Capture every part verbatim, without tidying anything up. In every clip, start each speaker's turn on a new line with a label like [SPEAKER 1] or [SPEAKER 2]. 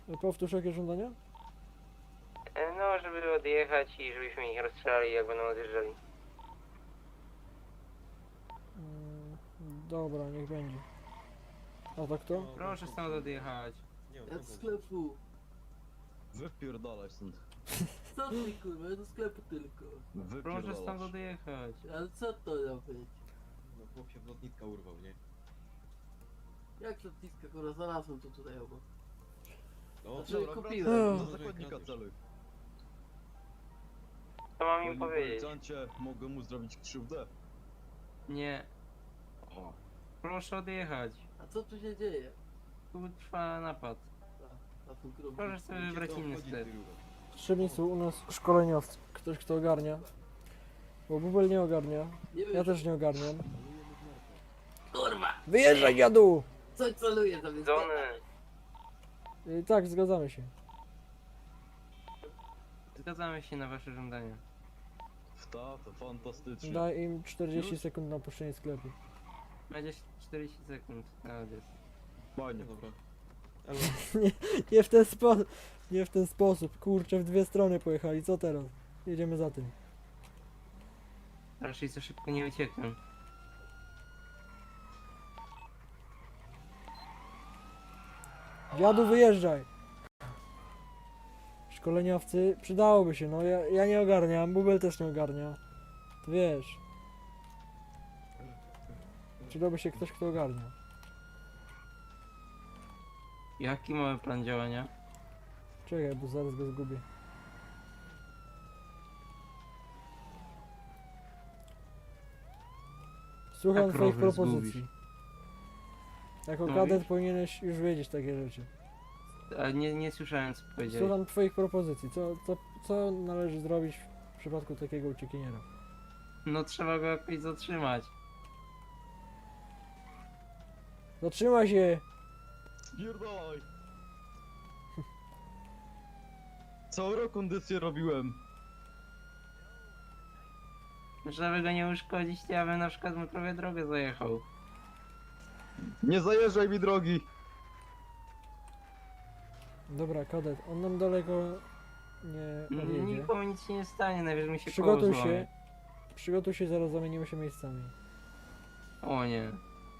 [SPEAKER 1] Powtórz jakie żądania?
[SPEAKER 2] E, No, żeby odjechać i żebyśmy ich rozstrzelali, jak będą odjeżdżali.
[SPEAKER 1] Mm, dobra, niech będzie. A tak to?
[SPEAKER 2] Proszę stąd odjechać.
[SPEAKER 3] Ja do sklepu.
[SPEAKER 4] Wypierdalaj stąd.
[SPEAKER 3] Co ty kurwa, ja do sklepu tylko.
[SPEAKER 2] Proszę stąd
[SPEAKER 4] Wypierdalasz.
[SPEAKER 2] odjechać.
[SPEAKER 3] Ale co to ma być?
[SPEAKER 5] No chłop się w lotnitka urwał, nie?
[SPEAKER 3] Jak lotniska kurwa, znalazłem to tutaj obok.
[SPEAKER 5] No,
[SPEAKER 3] Znaczy,
[SPEAKER 5] dobra,
[SPEAKER 3] kupiłem.
[SPEAKER 5] wracaj,
[SPEAKER 4] Do
[SPEAKER 5] może
[SPEAKER 4] zakładnika
[SPEAKER 5] kradniesz.
[SPEAKER 4] celuj.
[SPEAKER 2] Co mam im
[SPEAKER 4] Panie
[SPEAKER 2] powiedzieć?
[SPEAKER 4] policjancie, mogę mu zrobić krzywdę?
[SPEAKER 2] Nie.
[SPEAKER 4] O.
[SPEAKER 2] Proszę odjechać.
[SPEAKER 3] A co tu się dzieje?
[SPEAKER 2] Tu trwa napad.
[SPEAKER 3] A, a tu grubo.
[SPEAKER 2] Proszę sobie
[SPEAKER 5] Gdzie
[SPEAKER 2] wybrać
[SPEAKER 5] to
[SPEAKER 2] inny
[SPEAKER 5] wchodzi,
[SPEAKER 2] sklep.
[SPEAKER 5] ty rucho?
[SPEAKER 1] Potrzebni są u nas szkoleniowcy. Ktoś kto ogarnia. Bo Bubel nie ogarnia.
[SPEAKER 3] Nie wiem,
[SPEAKER 1] Ja też nie ogarniam.
[SPEAKER 3] kurwa!
[SPEAKER 1] Wyjeżdżaj dziadu!
[SPEAKER 3] Co celuje tam jest?
[SPEAKER 2] Zony.
[SPEAKER 1] Y, tak, zgadzamy się.
[SPEAKER 2] Zgadzamy się na wasze żądania.
[SPEAKER 4] Ta, to fantastycznie.
[SPEAKER 1] Daj im czterdzieści
[SPEAKER 2] Już?
[SPEAKER 1] sekund na opuszczenie sklepu.
[SPEAKER 2] Będzie czterdzieści sekund na odjazd.
[SPEAKER 4] Fajnie.
[SPEAKER 5] No dobra. Ale
[SPEAKER 1] Nie w ten sposób. Nie w ten sposób. Kurczę, w dwie strony pojechali. Co teraz? Jedziemy za tym.
[SPEAKER 2] Raczej za szybko nie uciekną.
[SPEAKER 1] Dziadu, wyjeżdżaj! Szkoleniowcy, przydałoby się, no ja, ja nie ogarniam, Bubel też nie ogarnia. To wiesz. Przydałby się ktoś, kto ogarnia.
[SPEAKER 2] Jaki mamy plan działania?
[SPEAKER 1] Czekaj, bo zaraz go zgubię. Słucham
[SPEAKER 2] Jak
[SPEAKER 1] twoich
[SPEAKER 2] rower
[SPEAKER 1] propozycji.
[SPEAKER 2] zgubisz?
[SPEAKER 1] Jako
[SPEAKER 2] Co
[SPEAKER 1] kadet
[SPEAKER 2] mówisz?
[SPEAKER 1] powinieneś już wiedzieć takie rzeczy.
[SPEAKER 2] A nie, nie słyszałem co powiedziałeś.
[SPEAKER 1] Słucham twoich propozycji. Co, co, co należy zrobić w przypadku takiego uciekiniera?
[SPEAKER 2] No trzeba go jakoś zatrzymać.
[SPEAKER 1] Zatrzymaj się!
[SPEAKER 4] Spierdalaj! Całą rekondycję robiłem.
[SPEAKER 2] Żeby go nie uszkodzić, to ja bym na przykład mu prawie drogę zajechał.
[SPEAKER 4] Nie zajeżdżaj mi drogi!
[SPEAKER 1] Dobra, kadet, on nam daleko nie
[SPEAKER 2] N-
[SPEAKER 1] odjedzie.
[SPEAKER 2] Nikomu nic się nie stanie, najwyżej mi się
[SPEAKER 1] Przygotuj
[SPEAKER 2] koło złamie.
[SPEAKER 1] się. Przygotuj się, zaraz zamienimy się miejscami.
[SPEAKER 2] O nie.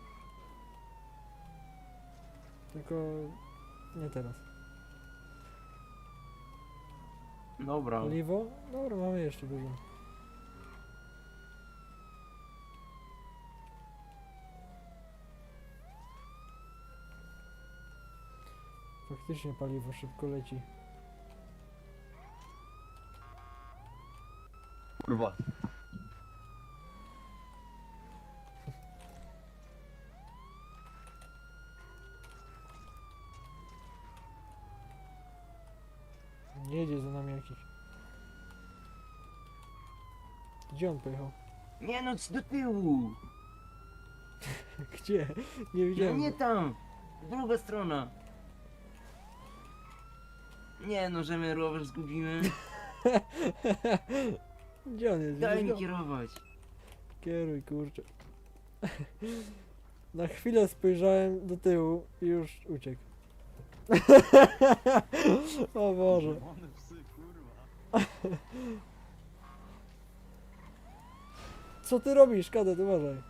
[SPEAKER 1] Tylko nie teraz.
[SPEAKER 2] Dobra.
[SPEAKER 1] Oliwo? Dobra, mamy jeszcze dużo. Faktycznie paliwo szybko leci.
[SPEAKER 4] Kurwa.
[SPEAKER 1] Nie jedzie za nami jakiś. Gdzie on pojechał?
[SPEAKER 2] Nie no, c- do tyłu!
[SPEAKER 1] Gdzie? Nie
[SPEAKER 2] No
[SPEAKER 1] widziałem.
[SPEAKER 2] nie
[SPEAKER 1] go.
[SPEAKER 2] tam! Druga strona! Nie no, że my rower zgubimy.
[SPEAKER 1] Gdzie on jest?
[SPEAKER 2] Daj
[SPEAKER 1] Widzisz
[SPEAKER 2] mi
[SPEAKER 1] go?
[SPEAKER 2] kierować.
[SPEAKER 1] Kieruj, kurczę. Na chwilę spojrzałem do tyłu i już uciekł. O Boże.
[SPEAKER 4] Czerwone psy, kurwa.
[SPEAKER 1] Co ty robisz, kadet? Uważaj.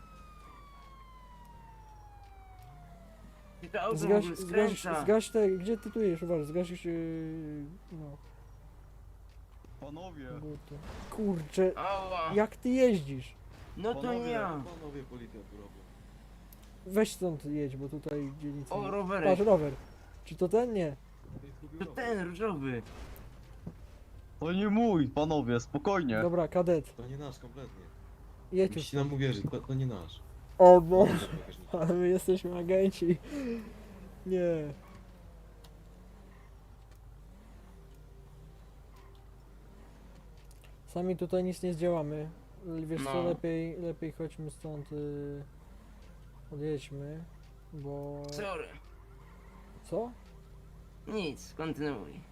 [SPEAKER 2] Ty to auto
[SPEAKER 1] Zgaś,
[SPEAKER 2] Zgaś,
[SPEAKER 1] zgaś,
[SPEAKER 2] skręca.
[SPEAKER 1] zgaś te, gdzie ty tu jesz? Uważaj, zgasisz yy, no,
[SPEAKER 4] Panowie.
[SPEAKER 1] buty. Kurczę,
[SPEAKER 2] Ała.
[SPEAKER 1] jak ty jeździsz?
[SPEAKER 2] No to nie
[SPEAKER 4] Panowie,
[SPEAKER 2] ja.
[SPEAKER 5] panowie policjant tu robią.
[SPEAKER 1] Weź stąd jedź, bo tutaj dzielnica...
[SPEAKER 2] O,
[SPEAKER 1] nie-
[SPEAKER 2] rowerek.
[SPEAKER 1] Patrz, rower. Czy to ten? Nie.
[SPEAKER 5] To jest zgubił
[SPEAKER 2] To
[SPEAKER 5] rower.
[SPEAKER 2] ten różowy.
[SPEAKER 4] To nie mój, panowie, spokojnie.
[SPEAKER 1] Dobra, kadet,
[SPEAKER 5] To nie nasz kompletnie.
[SPEAKER 1] jedź już.
[SPEAKER 5] Musicie nam uwierzyć, to, to nie nasz.
[SPEAKER 1] O Boże,
[SPEAKER 5] Bagażnik.
[SPEAKER 1] ale my jesteśmy agenci. Nie. Sami tutaj nic nie zdziałamy. Wiesz co,
[SPEAKER 2] No.
[SPEAKER 1] lepiej, lepiej chodźmy stąd, yy, odjedźmy, bo...
[SPEAKER 2] Sorry.
[SPEAKER 1] Co?
[SPEAKER 2] Nic, kontynuuj.